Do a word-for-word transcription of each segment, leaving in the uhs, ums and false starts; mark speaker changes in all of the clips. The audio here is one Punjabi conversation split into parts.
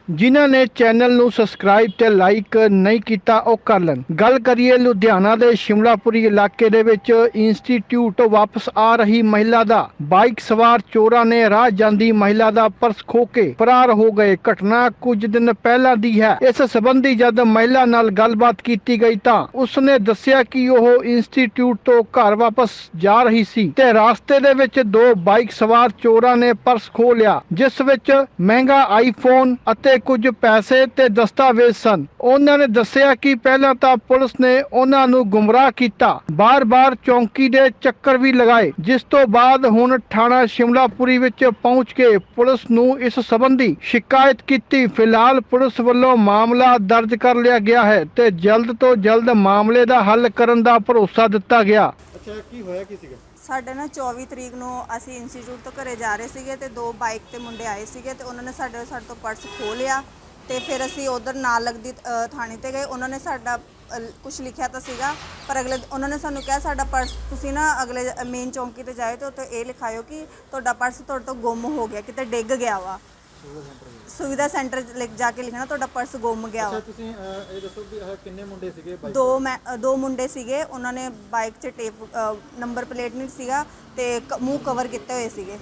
Speaker 1: ਜਿਨ੍ਹਾਂ ਨੇ ਚੈਨਲ ਨੂੰ ਸਬਸਕ੍ਰਾਈਬ ਤੇ ਲਾਈਕ ਨਹੀਂ ਕੀਤਾ ਉਹ ਕਰ ਲੈਣ। ਗੱਲ ਕਰੀਏ ਲੁਧਿਆਣਾ ਦੇ ਸ਼ਿਮਲਾਪੁਰੀ ਇਲਾਕੇ ਦੇ ਵਿੱਚ ਇੰਸਟੀਚਿਊਟ ਵਾਪਸ ਆ ਰਹੀ ਮਹਿਲਾ ਦਾ। ਬਾਈਕ ਸਵਾਰ ਚੋਰਾਂ ਨੇ ਰਾਹ ਜਾਂਦੀ ਮਹਿਲਾ ਦਾ ਪਰਸ ਖੋਹ ਕੇ ਫਰਾਰ ਹੋ ਗਏ। ਘਟਨਾ ਕੁਝ ਦਿਨ ਪਹਿਲਾਂ ਦੀ ਹੈ। ਇਸ ਸੰਬੰਧੀ ਜਦ ਮਹਿਲਾ ਨਾਲ ਗੱਲਬਾਤ ਕੀਤੀ ਗਈ ਤਾਂ ਉਸਨੇ ਦੱਸਿਆ ਕਿ ਉਹ ਇੰਸਟੀਚਿਊਟ ਤੋਂ ਘਰ ਵਾਪਸ ਜਾ ਰਹੀ ਸੀ ਤੇ ਰਾਸਤੇ ਦੇ ਵਿੱਚ ਦੋ ਬਾਈਕ ਸਵਾਰ ਚੋਰਾਂ ਨੇ ਪਰਸ ਖੋਹ ਲਿਆ, ਜਿਸ ਵਿੱਚ ਮਹਿੰਗਾ ਆਈਫੋਨ ਅਤੇ ਕੁਝ ਪੈਸੇ ਤੇ ਦਸਤਾਵੇਜ਼ ਸਨ। ਉਹਨਾਂ ਨੇ ਦੱਸਿਆ ਕਿ ਪਹਿਲਾਂ ਤਾਂ ਪੁਲਿਸ ਨੇ ਉਹਨਾਂ ਨੂੰ ਗੁੰਮਰਾਹ ਕੀਤਾ, ਬਾਰ-ਬਾਰ ਚੌਂਕੀ ਦੇ ਚੱਕਰ ਵੀ ਲਗਾਏ, ਜਿਸ ਤੋਂ ਬਾਅਦ ਹੁਣ ਥਾਣਾ ਸ਼ਿਮਲਾਪੁਰੀ ਵਿੱਚ ਪਹੁੰਚ ਕੇ ਪੁਲਿਸ ਨੂੰ ਇਸ ਸੰਬੰਧੀ ਸ਼ਿਕਾਇਤ ਕੀਤੀ। ਫਿਲਹਾਲ ਪੁਲਿਸ ਵੱਲੋਂ ਮਾਮਲਾ ਦਰਜ ਕਰ ਲਿਆ ਗਿਆ ਹੈ ਤੇ ਜਲਦ ਤੋਂ ਜਲਦ ਮਾਮਲੇ ਦਾ ਹੱਲ ਕਰਨ ਦਾ ਭਰੋਸਾ ਦਿੱਤਾ ਗਿਆ।
Speaker 2: ਅੱਛਾ, ਕੀ ਹੋਇਆ ਕੀ ਸੀਗਾ?
Speaker 3: ਸਾਡੇ ਨਾ ਚੌਵੀ ਤਰੀਕ ਨੂੰ ਅਸੀਂ ਇੰਸਟੀਚਿਊਟ ਤੋਂ ਘਰੇ ਜਾ ਰਹੇ ਸੀਗੇ ਤੇ ਦੋ ਬਾਈਕ ਤੇ ਮੁੰਡੇ ਆਏ ਸੀਗੇ ਤੇ ਉਹਨਾਂ ਨੇ ਸਾਡੇ ਸਾਡੇ ਤੋਂ ਪਰਸ ਖੋਹ ਲਿਆ ਤੇ ਫਿਰ ਅਸੀਂ ਉਧਰ ਨਾਲ ਲੱਗਦੀ ਅ, ਥਾਣੇ ਤੇ ਗਏ। ਉਹਨਾਂ ਨੇ ਸਾਡਾ ਕੁਝ ਲਿਖਿਆ ਤਾਂ ਸੀਗਾ, ਪਰ ਅਗਲੇ ਉਹਨਾਂ ਨੇ ਸਾਨੂੰ ਕਿਹਾ ਸਾਡਾ ਪਰਸ ਤੁਸੀਂ ਨਾ ਅਗਲੇ ਮੇਨ ਚੌਂਕੀ ਤੇ ਜਾਏ ਤੇ ਉੱਥੇ ਇਹ ਲਿਖਾਇਓ ਕਿ ਤੁਹਾਡਾ ਪਰਸ ਤੁਹਾਡੇ ਤੋਂ ਗੁੰਮ ਹੋ ਗਿਆ, ਕਿਤੇ ਡਿੱਗ ਗਿਆ ਵਾ। ਸੁਵਿਧਾ ਸੈਂਟਰ ਲਿਖ ਜਾ ਕੇ ਲਿਖਣਾ ਤੁਹਾਡਾ ਪਰਸ ਗੁੰਮ ਗਿਆ ਵਾ।
Speaker 2: ਅੱਛਾ, ਤੁਸੀਂ ਇਹ ਦੱਸੋ ਕਿ ਇਹ ਕਿੰਨੇ ਮੁੰਡੇ ਸੀਗੇ?
Speaker 3: ਦੋ ਮੈਂ ਦੋ ਮੁੰਡੇ ਸੀਗੇ, ਉਹਨਾਂ ਨੇ ਬਾਈਕ 'ਚ ਟੇਪ ਨੰਬਰ ਪਲੇਟ ਨਹੀਂ ਸੀਗਾ ਤੇ ਮੂੰਹ ਕਵਰ ਕੀਤੇ ਹੋਏ ਸੀਗੇ,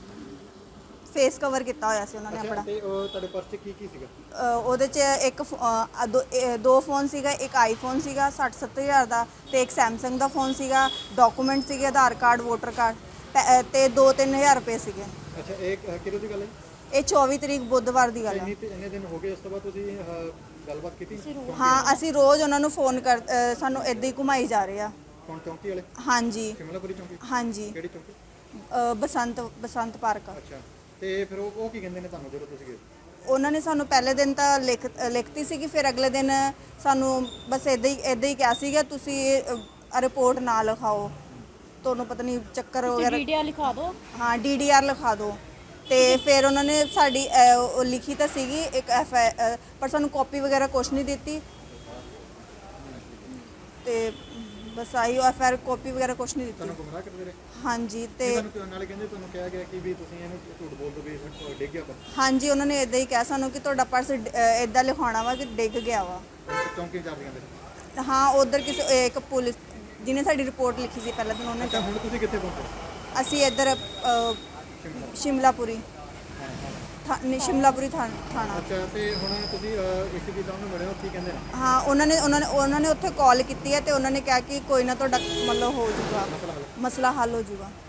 Speaker 3: ਫੇਸ ਕਵਰ ਕੀਤਾ ਹੋਇਆ ਸੀ ਉਹਨਾਂ ਨੇ ਆਪਣਾ।
Speaker 2: ਤੇ ਉਹ ਤੁਹਾਡੇ ਪਰਸ 'ਚ ਕੀ ਕੀ ਸੀਗਾ?
Speaker 3: ਉਹਦੇ 'ਚ ਇੱਕ ਦੋ ਫੋਨ ਸੀਗਾ, ਇੱਕ ਆਈਫੋਨ ਸੀਗਾ ਸੱਠ ਸੱਤਰ ਹਜ਼ਾਰ ਦਾ ਤੇ ਇੱਕ ਸੈਮਸੰਗ ਦਾ ਫੋਨ ਸੀਗਾ, ਡਾਕੂਮੈਂਟ ਸੀਗੇ ਆਧਾਰ ਕਾਰਡ, ਵੋਟਰ ਕਾਰਡ ਤੇ ਦੋ ਤਿੰਨ ਹਜ਼ਾਰ ਰੁਪਏ ਸੀਗੇ।
Speaker 2: ਅੱਛਾ, ਇਹ ਕਿਹੜੀ ਦੀ ਗੱਲ ਹੈ?
Speaker 3: ਇਹ ਚੌਵੀ ਤਰੀਕ ਬੁੱਧਵਾਰ ਦੀ ਗੱਲ ਹੈ।
Speaker 2: ਇੰਨੇ ਦਿਨ ਹੋ ਗਏ, ਉਸ ਤੋਂ ਬਾਅਦ ਤੁਸੀਂ ਗੱਲਬਾਤ ਕੀਤੀ?
Speaker 3: ਹਾਂ, ਅਸੀਂ ਰੋਜ਼ ਉਹਨਾਂ ਨੂੰ ਫੋਨ ਕਰ ਸਾਨੂੰ ਇੱਦਾਂ ਹੀ ਘੁਮਾਈ ਜਾ ਰਹੇ ਆ।
Speaker 2: ਕੌਣ, ਚੌਂਕੀ ਵਾਲੇ?
Speaker 3: ਹਾਂਜੀ
Speaker 2: ਸ਼ਿਮਲਾਪੁਰੀ ਚੌਂਕੀ?
Speaker 3: ਹਾਂਜੀ।
Speaker 2: ਕਿਹੜੀ ਚੌਂਕੀ?
Speaker 3: ਬਸੰਤ ਬਸੰਤ ਪਾਰਕ।
Speaker 2: ਅੱਛਾ, ਤੇ ਫਿਰ ਉਹ ਉਹ ਕੀ ਕਹਿੰਦੇ ਨੇ ਤੁਹਾਨੂੰ ਜਦੋਂ ਤੁਸੀਂ ਗਏ?
Speaker 3: ਉਹਨਾਂ ਨੇ ਸਾਨੂੰ ਪਹਿਲੇ ਦਿਨ ਤਾਂ ਲਿਖ ਲਿਖਤੀ ਸੀਗੀ, ਫਿਰ ਅਗਲੇ ਦਿਨ ਸਾਨੂੰ ਬਸ ਇੱਦਾਂ ਹੀ ਇੱਦਾਂ ਹੀ ਕਿਹਾ ਸੀਗਾ ਤੁਸੀਂ ਰਿਪੋਰਟ ਨਾ ਲਿਖਾਓ, ਤੁਹਾਨੂੰ ਪਤਾ ਨਹੀਂ ਚੱਕਰ ਵਗੈਰਾ
Speaker 4: ਡੀਡੀਆਰ ਲਿਖਾ ਦਿਓ।
Speaker 3: ਹਾਂ, ਡੀਡੀਆਰ ਲਿਖਾ ਦਿਓ। ਤੇ ਫਿਰ ਉਹਨਾਂ ਨੇ ਸਾਡੀ ਉਹ ਲਿਖੀ ਤਾਂ ਸੀਗੀ ਇੱਕ ਐਫ ਆਈ, ਪਰ ਸਾਨੂੰ ਕਾਪੀ ਵਗੈਰਾ ਕੁਛ ਨਹੀਂ ਦਿੱਤੀ ਤੇ ਬਸ I F I R copy ਵਗੈਰਾ ਕੁਛ ਨਹੀਂ ਦਿੱਤੀ।
Speaker 2: ਤੁਹਾਨੂੰ ਗੁੰਮਰਾਹ ਕਰਦੇ ਰਹੇ?
Speaker 3: ਹਾਂਜੀ। ਤੇ
Speaker 2: ਤੁਹਾਨੂੰ ਨਾਲੇ ਕਹਿੰਦੇ ਤੁਹਾਨੂੰ ਕਿਹਾ ਗਿਆ ਕਿ ਵੀ ਤੁਸੀਂ ਇਹਨੂੰ ਝੂਠ ਬੋਲ ਦੋ ਵੀ ਡਿੱਗ ਗਿਆ ਪਰਸ।
Speaker 3: ਹਾਂਜੀ, ਉਹਨਾਂ ਨੇ ਇਦਾਂ ਹੀ ਕਿਹਾ ਸਾਨੂੰ ਕਿ ਤੁਹਾਡਾ ਪਰਸ ਇਦਾਂ ਲਿਖਾਉਣਾ ਵਾ ਕਿ ਡਿੱਗ ਗਿਆ ਵਾ।
Speaker 2: ਚੌਂਕੀ ਜਾ ਰਹੇ ਕਹਿੰਦੇ?
Speaker 3: ਹਾਂ, ਉਧਰ ਕਿਸੇ ਇੱਕ ਪੁਲਿਸ ਜਿਹਨੇ ਸਾਡੀ ਰਿਪੋਰਟ ਲਿਖੀ ਸੀ ਪਹਿਲਾਂ ਦਿਨ ਉਹਨੇ।
Speaker 2: ਅੱਛਾ, ਹੁਣ ਤੁਸੀਂ ਕਿੱਥੇ ਪਹੁੰਚੇ?
Speaker 3: ਅਸੀਂ ਇੱਧਰ ਸ਼ਿਮਲਾਪੁਰੀ ਸ਼ਿਮਲਾਪੁਰੀ ਥਾਣਾ।
Speaker 2: ਅੱਛਾ, ਤੇ ਹੁਣ ਤੁਸੀਂ ਇਸੇ ਦੀ ਤੁਹਾਨੂੰ ਮਿਲੇ ਹੋ, ਕੀ ਕਹਿੰਦੇ ਨੇ?
Speaker 3: ਹਾਂ, ਉਹਨਾਂ ਨੇ ਉਹਨਾਂ ਨੇ ਉਹਨਾਂ ਨੇ ਉੱਥੇ ਕਾਲ ਕੀਤੀ ਹੈ ਤੇ ਉਹਨਾਂ ਨੇ ਕਿਹਾ ਕਿ ਕੋਈ ਨਾ ਤੁਹਾਡਾ ਮਤਲਬ ਹੋ ਜਾਊਗਾ, ਮਸਲਾ ਹੱਲ ਹੋ ਜਾਊਗਾ।